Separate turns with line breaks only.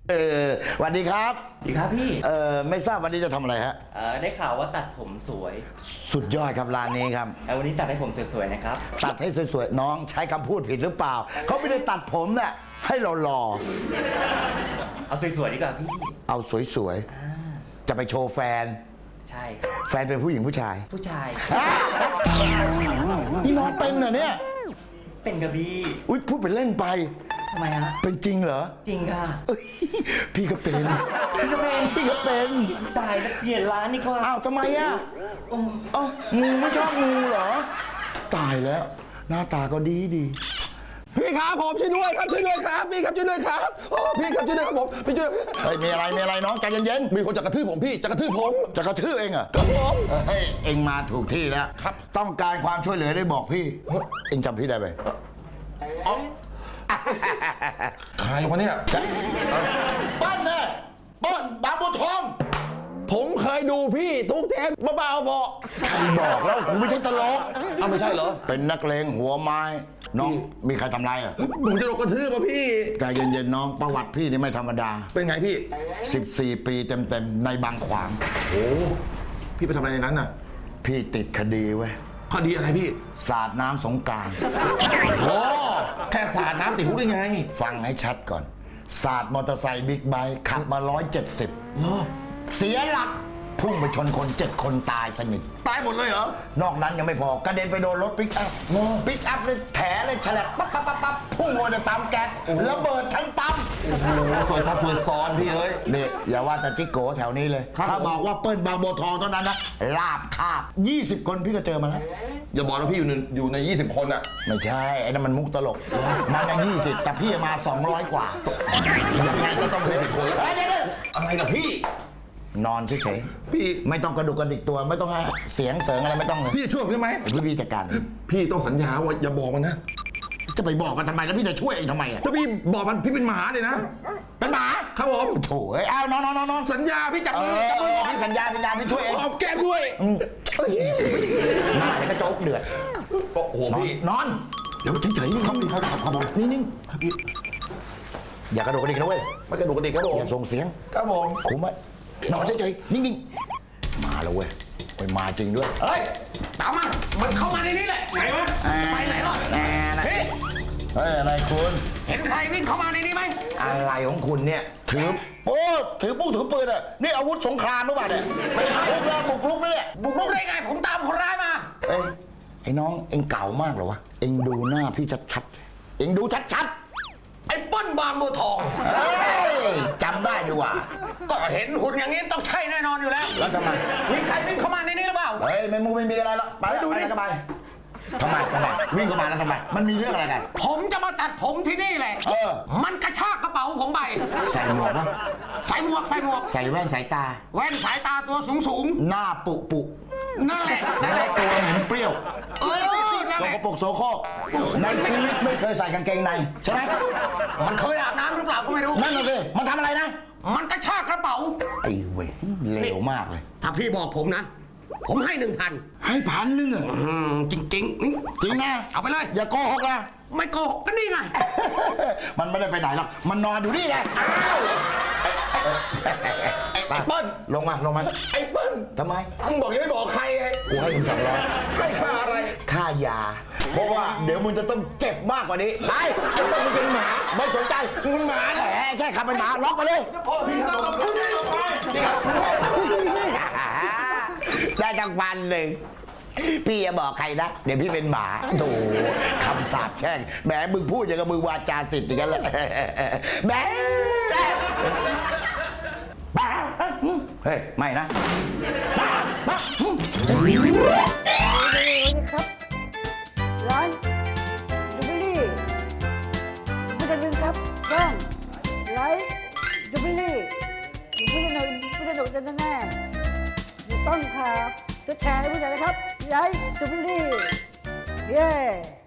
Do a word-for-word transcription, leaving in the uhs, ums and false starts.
เออสวัสดีครับ
ดีครับพี่
เออไม่ทราบวันนี้จะทำอะไรฮะ
เอ่อได้ข่าวว่าตัดผมสวย
สุดยอดครับร้านนี้ครับ
เอ่อวันนี้ตัดให้ผมสวยๆนะครับ
ตัดให้สวยๆน้องใช้คำพูดผิดหรือเปล่าเขาไม่ได้ตัดผมเนี่ยให้เราหล่อ
เอาสวยๆดีกว่าพี่
เอาสวย
อ่า
ๆจะไปโชว์แฟน
ใช่ครับ
แฟนเป็นผู้หญิงผู้ชาย
ผู้ชาย
นี่น้องเป็นเหรอเนี่ย
เป็นกระบี่
อุ้ยพูดเป็นเล่นไป
ทำไมฮะ
เป็นจริงเหรอ
จริงค่ะ
เอ้ยพี่ก็เป็น
พี่ก็เป็น
พี่ก็เป็น
ตายแล้วเปลี่ยนร้านดีกว่า
อ้าวทำไมอ่ะ
โอ้
เอ้างูไม่ชอบงูเหรอ ตายแล้ว หน้าตาก็ดีดี
พี่ครับผมช่วยด้วยครับช่วยด้วยครับพี่ครับช่วยด้วยครับโอ้พี่ครับช่วยด้วยครับผมพี่ช่วยด้วย
เฮ้ยมีอะไรมีอะไรน้องใจเย็น
มีคนจะกระทืบผมพี่จะกระทืบผม
ๆจะกระทืบเองเหรอ
ครับผม
เฮ้ยเองมาถูกที่แล้ว
ครับ
ต้องการความช่วยเหลือได้บอกพี่ เองจำพี่ได้ไหม
ใครวะเนี่ย
ป้อนเนี่ยป้อนบางบัวทอง
ผมเคยดูพี่ทุกเทปเบาๆพอ
ใครบอกแล้วผมไม่ใช่ตลก
เอาไม่ใช่เหรอ
เป็นนักเลงหัวไม้ น้องมีใครทำไรอ่ะ
ผมจะโดนกระทืบป่ะพี่
ใจเย็นๆน้องประวัติพี่นี่ไม่ธรรมดา
เป็นไงพี่
สิบสี่ปีเต็มๆในบางขวาง
โอ้พี่ไปทำอะไรในนั้นน่ะ
พี่ติดคดีไว้ย
คดีอะไรพี่
สาดน้ำสงกราร
โอ้แค่สาดน้ำติดคุกได้ไง
ฟังให้ชัดก่อน สาดมอเตอร์ไซค์บิ๊กไบค์ขับมาร้อยเจ็ดสิบ
เหรอ
เสียหลัก พุ่งไปชนคนเจ็ดคนตายสนิท
ตายหมดเลยเหรอ
นอกนั้นยังไม่พอกระเด็นไปโดนรถปิกอัพปิกอัพเลยแถเลยฉลับปั๊บปั๊บปั๊บปั๊บพุ่งลงในปั๊มแก๊สระเบิดทั้งปั๊ม
โอ้โหสวยซับสวยซ้อนพี่เอ้ย
นี่อย่าว่าแต่จิกโกแถวนี้เลย
ครับ
ถ้าบอกว่าเปิ้ลบางบัวทองเท่านั้นนะลาบคาบยี่สิบคนพี่ก็เจอมาแล้ว
อย่าบอกนะพี่อยู่ในอยู่ในยี่สิบคนอะ
ไม่ใช่ ไอ้นั่นมันมุกตลก มันน่ะยี่สิบแต่พี่มาสองร้อยกว่ายังไงก็ต้องเป็นคนเฮ้ยเดี๋ยว
อะไรนะพี่
ๆนอนเฉย
พี่
ๆไม่ต้องกระดุกกระดิกตัวไม่ต้องให้เสียงเสริงอะไรไม่ต้องเลย
พี่จะช่วยผมได้ไหม
ไอ้พี่พี่จัดการเอง
พี่ต้องสัญญาว่าอย่าบอกมันนะ
จะไปบอกมันทำไมแล้วพี่จะช่วยเองทำไมอ่ะ
ถ้าพี่บอกมันพี่เป็นหมาเลยนะ
เป็นหมา
ครับผม
โถ่เอ้ยเอานอนนอนนอนนอน
สัญญาพี่จับ
เอ
มือจับมือ
อ
ก่อน
พี่สัญญาสัญญาพี่ช่วยเอง
หอมแก้มด้วย
อืมหน้าเลยก็โจ๊กเดือด
โอ้โห
นอน
พี่
นอนเดี๋ยวเฉยๆนี่ครับพี่ครับครับครับผมนิ่งๆอย่ากระโดดกระดิกนะเว้ย
ไม่กระดูกกระดิกครับผม
อย่าส่งเสียง
ครับผม
คุ้มไหมนอนเฉยๆนิ่งๆมาแล้วเว้ยเว้ยมาจริงด้วย
เฮ้ยตามมามันเข้ามาในนี้แหละไหนวะไปไหนหรอ
แน่นะ
พี่
เฮ้ยอะไรคุณ
เห็นใครวิ่งเข้ามาในนี้ไหม
อะไรของคุณเนี่ยถือโอ้ถือปุ้งถือปืนอ่ะนี่อาวุธสงครามหรือเปล่าเนี่ยไม่ใช่บุกรุกบุกรุกนะเนี่ย
บุกรุกได้ไงผมตามคนร้ายมา
เอ้ยไอ้น้องเอ็งเก่ามากเหรอวะเอ็งดูหน้าพี่ชัดๆเอ็งดูชัด
ไอ้เปิ้ลบางบัวทอง
ๆเฮ้ยจำได้ดีว่า
ก็เห็นหุ่นอย่างนี้ต้องใช่แน่นอนอยู่แล้ว
แล้วทำไม
มีใครวิ่งเข้ามาในนี้หรือเปล่า
เฮ้ยไม่มูไม่มีอะไรหรอกไปดูดิทำไมทำไมทำไมวิ่งเข้ามาแล้วทำไมมันมีเรื่องอะไรกัน
ผมจะมาตัดผมที่นี่แหละ
เออ
มันกระชากกระเป๋าผมไป
ใส่หมวกปะ
ใส่หมวกใส่หมวก
ใส่แว่นสายตา
แว่นสายตาตัวสูงสูง
หน้าปุปุ
ๆนั่นแหละ
แล้
นั่นแหละ
วตัวเหม็นเปรี้ยว
เออนั่น
โส
แหละ
กปรกโสโครกในชีวิตไม่เคยใส่กางเกงในใช่ไหม
มันเคยอาบน้ำหรือเปล่าก็ไม่รู้
นั่นน่ะสิมันทำอะไรนะ
มันกระชากกระเป๋า
ไอ้เว้ยเลวมากเลย
ถ้าพี่บอกผมนะ ผมให้หนึ่งพัน
ให้พันหนึงอะ
จริงจริงๆนี่
จริงนะ
เอาไปเลย
อย่าโกหกนะ
ไม่โกหกก็นี่ไง
มันไม่ได้ไปไหนหรอกมันนอนอยู่นี่ไงไป
เปิ้ล
ลงมาลงมา
ไอ้เปิ้ล
ทำไม
มึงบอกยังไม่บอกใครไง
กูให้มึงสองร้อย
ให้ค่าอะไร
ค่ายา เพราะว่าเดี๋ยวมึงจะต้องเจ็บมากกว่านี้ไป
ไอ้เปิ้ลมึงเป็นหมา
ไม่สนใจ
มึงเป็นหมา
แห
เหรอ
มแค่ขับเป็นหมาล็อกไปเลย
พ่อพี่ต้องต้องพูดได้ออกไปจริงครับ
ได้จังวันหนึ่งพี่อย่าบอกใครนะ เดี๋ยวพี่เป็นหมาโถคำสาปแช่งแหมมึงพูดอย่างกับมึงวาจาสิทธิ์อย่างนั้นแหละแหมบ้าเฮ้ยไม่นะบ้าบ้า
สวัสดีครับ ร้านจูบิลี่ไม่ได้ลืมครับกล้องไลท์จูบิลี่ไม่ได้หนุนไม่ได้หนุนกันแน่ๆอยู่ต้นครับจะแชร์ให้ผู้ใหญ่นะครับไลท์จูบิลี่เย้